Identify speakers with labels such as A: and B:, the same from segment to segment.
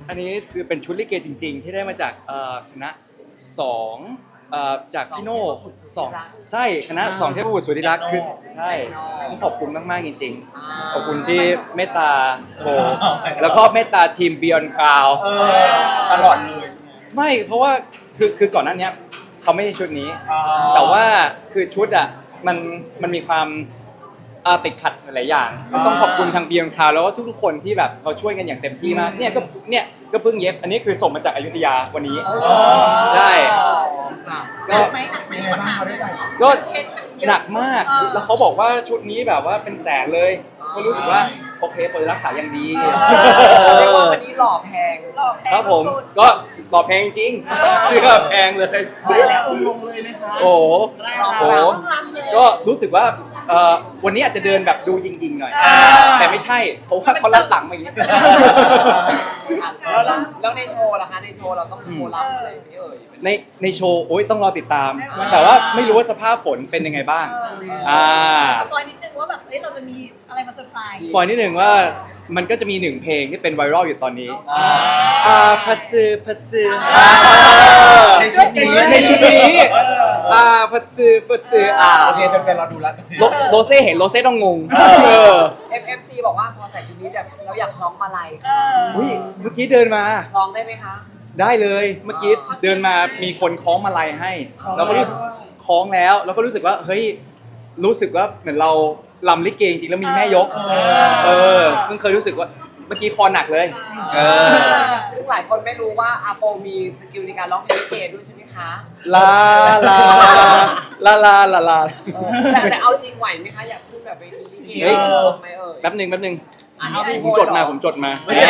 A: อันนี้คือเป็นชุดลิเกจริงๆที่ได้มาจากคณะสองจากพี่โน่สองใช่คณะสองเทพบุตรสุธิรักษ์คือใช่ต้องขอบคุณมากๆจริงๆขอบคุณที่เมตตาโชว์แล้วก็เมตตาทีม Beyond Cloud
B: ตลอดเลย
A: ไม่เพราะว่าคือก่อนหน้านี้เขาไม่ใช่ชุดนี้แต่ว่าคือชุดอ่ะมันมีความติดขัดหลายอย่างก็ต้องขอบคุณทาง Beyond Cloud แล้วก็ทุกๆคนที่แบบเขาช่วยกันอย่างเต็มที่มากเนี่ยก็เพิ่งเย็บอันนี้คือส่งมาจากอยุธยาวันนี้ได้ก็
C: หนักไหม
B: ยังไงบ้างเขาได้ใส่
A: ก็หนักมากแล้วเขาบอกว่าชุดนี้แบบว่าเป็นแสนเลยก็รู้สึกว่าโอเคเปิดรักษาอย่างดี
D: เรียกว่าวันนี้หล่อแพง
A: ครับผมก็หล่อแพงจริงเสื้อแพงเลย
C: ใส่แล้วองค์ลงเลยนะคะ
A: โอ้โหก็รู้สึกว่าวันนี้อาจจะเดินแบบดูยิงๆหน่อยแต่ไม่ใช่เพราะว่าเขาลัดหลังมาอย่างนี้
D: แล้วในโชว์ล่ะคะในโชว์เราต้องโชว์รำอะไรไหมเอ่ย
A: ในโชว์โอ้ยต้องรอติดตาม แต่ว่าไม่รู้ว่าสภาพฝนเป็นยังไงบ้าง
C: สปอยนิดนึงว่าแบบเราจะมีอะไรมาเซอร์ไพรส์
A: สปอยนิดหนึ่งว่ามันก็จะมีหนึ่งเพลงที่เป็นไวรัลอยู่ตอนนี้พัดซื้อ
B: ในชุดนี้
A: พัดซื้อ
B: โอเคแฟนๆเราดูแล้ว
A: โรเซ่เห็นโรเซ่ต้องงง
D: FFC บอกว่าพอใส่ชุดนี้แบบเราอยากร้องมาลัย
A: อุ้ยเมื่อกี้เดินมา
D: ร้องได้ไหมคะ
A: ได้เลยเมื่อกี้เดินมามีคนคล้องมาลัยให้เราก็รู้สึกคล้องแล้วเราก็รู้สึกว่าเฮ้ยรู้สึกว่าเหมือนเราลำลิเกจริงๆแล้วมีแม่ยกเพิ่งเคยรู้สึกว่าเมื่อกี้คอหนักเลย
D: ซึ่งหลายคนไม่รู้ว่าอาโปมีสกิลในการร้องเพลงลิเกด้วยใช่ไหมคะ
A: ลา
D: แต่เอาจริงไหวไหมคะอยากพูดแบบเวทีลิเกไหม
A: แป๊บหนึ่งผมจดมา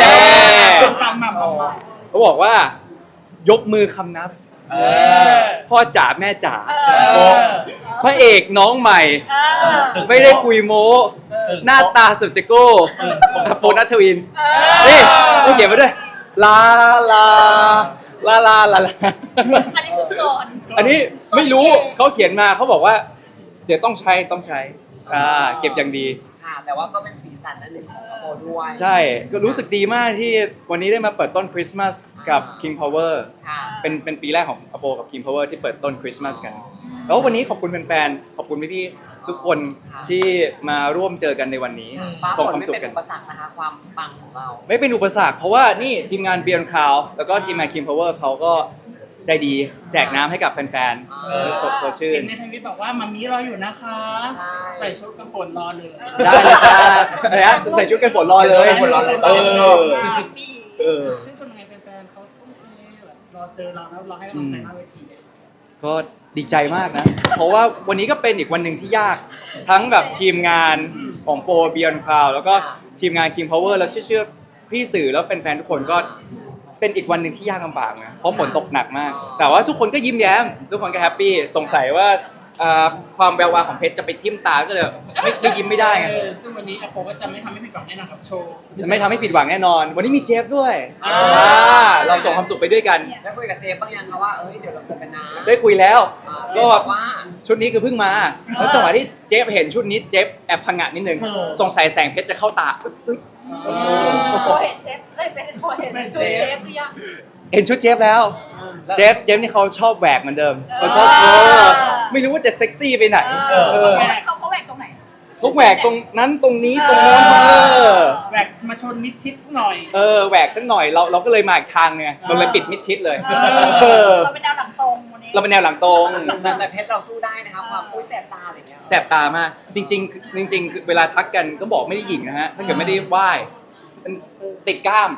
A: เขาบอกว่ายกมือคำนับพ่อจ๋าแม่จ๋าพระเอกน้องใหม่ไม่ได้คุยโม้หน้าตาสุดจะโก้โปนัทวินนี่เขาเขียนมาด้วยลา
C: อันนี้คือก่อน
A: อันนี้ไม่รู้เขาเขียนมาเขาบอกว่าเดี๋ยวต้องใช้เก็บอย่างดี
D: ค่ะแต่ว่าก็เป็นสีสันอันหนึ่งของอาโปด้วย
A: ใช่ก็รู้สึกดีมากที่วันนี้ได้มาเปิดต้นคริสต์มาสกับ King Power เป็นปีแรกของอโปกับ King Power ที่เปิดต้นคริสต์มาสกันแล้ววันนี้ขอบคุณแฟนๆขอบคุณพี่ๆทุกคนที่มาร่วมเจอกันในวันนี้ส่งความสุขกัน
D: ไม่เป็นอุปสรรคนะคะความปังของเรา
A: ไม่เป็นอุปสรรคเพราะว่านี่ทีมงาน Beyond Cloud แล้วก็ทีมงาน King Power เขาก็ใจดีแจกน้ำให้กับแฟนๆสดชื่น
C: ในทวิตบอกว่ามัมมี่รออยู่นะคะใส่ชุดกันฝนรอเลย
A: ได้เลยจ้าอะไรฮะใส่ชุดกันฝนรอเลย
C: ซึ่งคนไงแฟนๆเขาต้องรอเจอเราแล้วรอให้กำลังใจหน้าเวที
A: ก็ดีใจมากนะเพราะว่าวันนี้ก็เป็นอีกวันหนึ่งที่ยากทั้งแบบทีมงานของโปร Beyond Cloud แล้วก็ทีมงาน King Power แล้วเชื่อพี่สื่อแล้วแฟนๆทุกคนก็เป็นอีกวันหนึ่งที่ยากลำบากนะเพราะฝนตกหนักมากแต่ว่าทุกคนก็ยิ้มแย้มทุกคนก็แฮปปี้สงสัยว่าความแวววาวของเพชรจะไปทิ่มตาก็เลยไม่ยิ้มไม่ได้ไง
C: ซึ่งวันนี้อาโปก็จะไม่ทำให้ผิดหวังแน่นอนกับโชว์
A: ไม่ทำให้ผิดหวังแน่นอนวันนี้มีเจฟด้วยเราส่งความสุขไปด้วยกัน
D: ได้คุยกับเจฟบ้างยังคะว่าเดี๋ยวเราเจอกันนะ
A: ได้คุยแล้วก็ชุดนี้คือเพิ่งมาแล้วจังหวะที่เจฟเห็นชุดนี้เจฟแอบพังงะนิดนึงสงสัยแสงเพชรจะเข้าตา
C: เห็นเชฟเห็นเชฟหรือยัง
A: เห็นชุดเจฟแล้วเจฟนี่เขาชอบแหวกเหมือนเดิมเขาชอบไม่รู้ว่าจะเซ็กซี่ไปไหน
C: เขาแหวกตรงไหน
A: เขาแหวกตรงนั้นตรงนี้ตรงโน้น
C: แหวกมาชนมิดชิดสักหน่อย
A: แหวกสักหน่อยเราก็เลยมาอีกทางไงเราเลยปิดมิดชิดเลย
C: เราเป็นแนวหลังตรงวันนี้
A: เราเป็นแนวหลังตรง
D: แต่เพชรเราสู้ได้นะคะความแสบตาอะไรเงี้ย
A: แสบตามากจริงเวลาทักกันก็บอกไม่ได้หยิ่งนะฮะถ้าเกิดไม่ได้ไหว้ติดกล้าม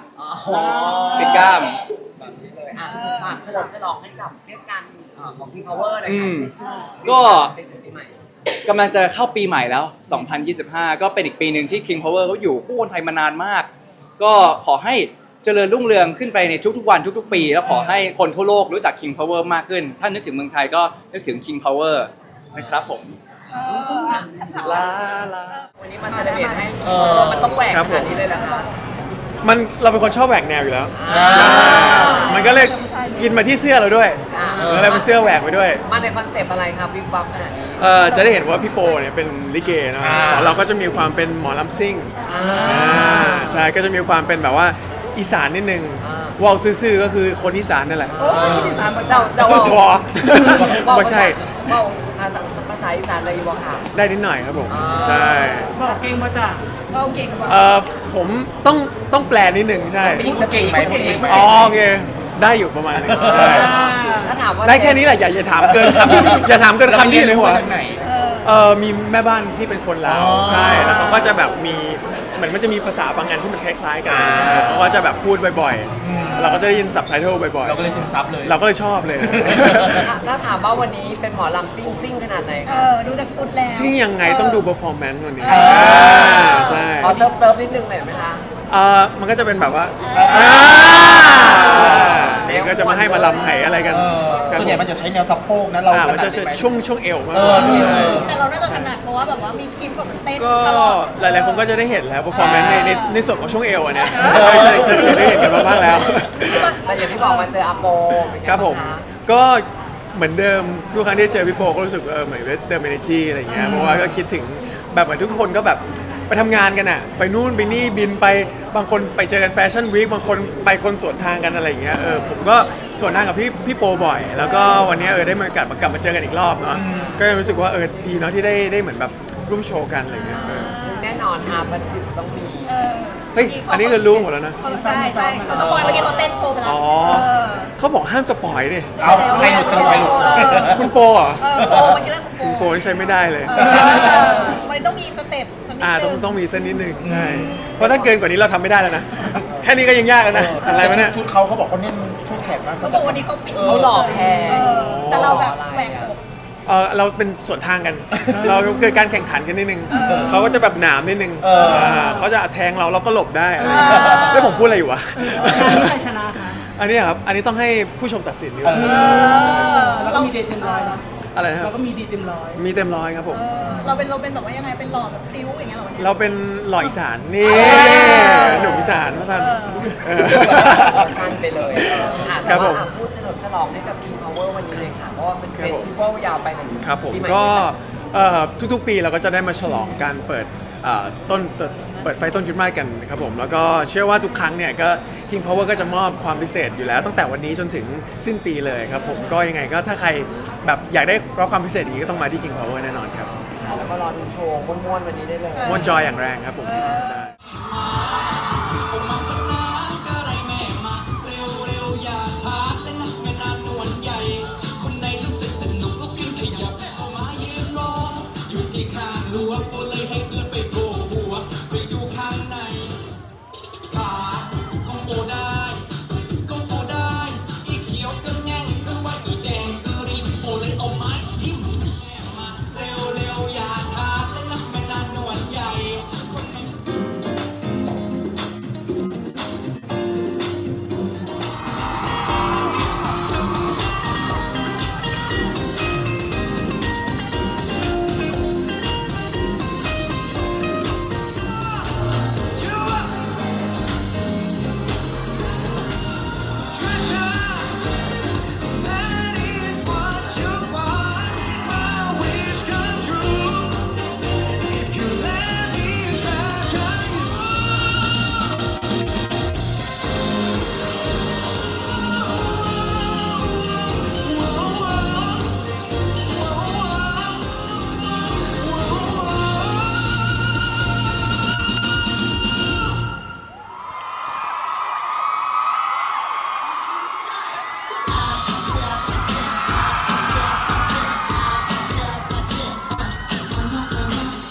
D: เลยเฉลองให้กับเทศกาลของ King Power เลย
A: ก็กำลังจะเข้าปีใหม่แล้ว2025ก็เป็นอีกปีหนึ่งที่ King Power เขาอยู่คู่คนไทยมานานมากก็ขอให้เจริญรุ่งเรืองขึ้นไปในทุกๆวันทุกๆปีแล้วขอให้คนทั่วโลกรู้จัก King Power มากขึ้นถ้านึกถึงเมืองไทยก็นึกถึง King Power นะครับผมลา
D: วันนี้มันจะได้เห็นให้มันต้องแหวกขนาดนี้เลยเหรอคะ
E: เราเป็นคนชอบแหวกแนวอยู่แล้วมันก็เลยกินมาที่เสื้อเราด้วยแล้วเลยเป็นเสื้อแหวกไปด้วย
D: มาในคอนเซปต์อะไรครับวิบวับขนาดนี้
E: จะได้เห็นว่าพี่โปเนี่ยเป็นลิเกนะเราก็จะมีความเป็นหมอลำซิ่งใช่ก็จะมีความเป็นแบบว่าอีสานนิดนึงว่าวซื่อๆก็คือคนอีสานนั่นแหละ
D: เจ้า
E: บอไม่ใช่
D: เว้าภาษาอีสานอะไรอยู่บ่ค่ะ
E: ได้นิดหน่อยครับผมใช่
C: บอกเก่งมาจ้ะเราเก่งกว่า
E: ผมต้องแปลนิดหนึ่งใช่
B: พูดเก่งไหมพูดเก่งไหม
E: อ๋อโอเคได้อยู่ประมาณนึงใช่
D: ถ้าถามว่า
E: ได้แค่นี้แหละอย่าถามเกินคำอย่าถามเกินคำที่อยู่ในหัว
B: จากไหน
E: มีแม่บ้านที่เป็นคนลาว
B: อ๋อ
E: ใช่แล้วเขาก็จะแบบมีเหมือนมันจะมีภาษาบางอันที่มันคล้ายๆกันเขาก็จะแบบพูดบ่อยๆ เราก็จะได้ยินซับไตเติลบ่อย
B: เราก็เลยซึมซับเลย
E: ๆ เราก็เลยชอบเลย
D: ถ้าถามว่าวันนี้เป็นหมอลำซิ่งขนาดไหนคะ
F: ดูจากชุดแล้ว
E: ซึ่งยังไงต้องดู performance วันนี้ใช่
D: ขอเซิร์ฟนิดนึงหน่อยไหมคะ
E: มันก็จะเป็นแบบว่าเองก็จะมาให้มาลำไหอะไรกัน
B: ส่วนใหญ่มันจะใช้แนวสะโพกนะเรา
E: มันจะใช้ช่วงเอวมาก
F: แต่เราน่าจะถนัดเพราะว่าแบบว่ามีคลิปแบบมันเต้น
E: ก็
F: ตลอด
E: หลายๆคนก็จะได้เห็นแล้ว performance ในส่วนของช่วงเอวอันเนี้ยจะได้เห็นกันมาบ้างแล้ว
D: แต่อย่างที่บอกมาเจออาโปเป็นไง
E: ครับผม
D: างะ
E: ก็เหมือนเดิมทุกครั้งที่เจอพี่โปก็รู้สึกว่าเหมือนเติม energy อะไรเงี้ยเพราะว่าก็คิดถึงแบบเหมือนทุกคนก็แบบไปทำงานกันอะไปนู่นไปนี่บินไปบางคนไปเจอกันแฟชั่นวีคบางคนไปคนสวนทางกันอะไรเงี้ยผมก็สวนทางกับพี่โปบ่อย แล้วก็วันนี้ได้มากลับมาเจอกันอีกรอบเนาะก็รู้สึกว่าดีเนาะที่ได้เหมือนแบบร่วมโชว์กันอะไรเงี้ย
D: แน่นอนอาประชิดต้องมี
E: เฮ้ยอันนี้คือรู้หมดแล้วนะ
F: ใช่เขาต้องปล่อยเมื่อกี้เขาเต้นโชว์ไปแล้ว
E: อ๋อเขาบอกห้ามจะปล่อยดิ
B: เอาใครหลุดสนุกใครหลุด
E: คุณโปเหรอ
F: โปมันชื่อคุณ
E: คุณโปนี่ใช้ไม่ได้เลย
F: มันต้องมีสเต็ปสักนิดนึง
E: ต้องมีเส้นนิดนึงใช่ เพราะถ้าเกินกว่านี้เราทำไม่ได้แล้วนะ แค่นี้ก็ยังยากแล้วนะ อะไรวะเนี่ย
B: ชุดเขาบอกเขาเน้นชุดแขกมาก
F: เขาบอกวันนี้เขาปิด
D: เขาหล่อแพง
F: แต่เราแบบแหวกอก
E: เราเป็นส่วนทางกัน เราเกิดการแข่งขันกันนิดนึง เขาก็จะแบบหนามนิดนึงเขาจะแทงเราก็หลบได้อะไรอย่างเงี้ยแล้วผมพูดอะไรอยู่วะ
C: ใครชนะคะ
E: อันนี้ครับ อันนี้ต้องให้ผู้ชมตัดสินดีกว่า
C: แล้วก็มีดีเต็มร้อยนะ
E: อะไรนะค
C: เรา
E: รับ
C: ก็มีดีเต็มร้อย
E: มีเต็มร้อยครับผม
F: เราเป็นแบบว่ายังไงเป็นหล่อแบบพริ้วอย่างเงี้ยเหรอเนี่ย
E: เราเป็นหล่ออีสานนี่หนุ่มอีสานมาสั่น
D: สั้นไปเลยค่ะ
E: ครั
D: แต่
E: บผ
D: ว่าม พูดเฉลิมฉลองให้กับ King Power วันนี้เลยค่ะ เพราะว่าเป็นเฟสติวัลยาวไปถึง
E: ครับผม
D: ปีให
E: ก็ทุกๆปีเราก็จะได้มาฉลองการเปิดเปิดไฟต้นคริสต์มาสกันครับผมแล้วก็เชื่อว่าทุกครั้งเนี่ยก็ King Power ก็จะมอบความพิเศษอยู่แล้วตั้งแต่วันนี้จนถึงสิ้นปีเลยครับผมก็ยังไงก็ถ้าใครแบบอยากได้รับความพิเศษอย่างนี้ก็ต้องมาที่ King Power แน่นอนครับ
D: แล้วก็รอดูโชว์ม้วนๆวันนี้ได้เลย
E: ม่วนจอยอย่างแรงครับผมใช่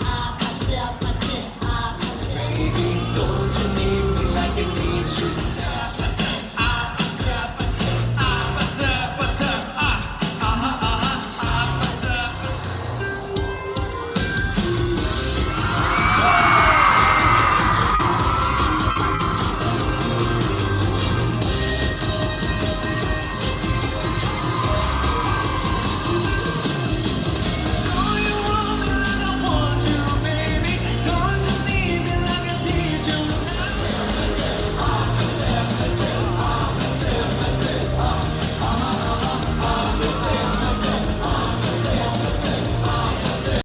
G: Don't you need me like you need you?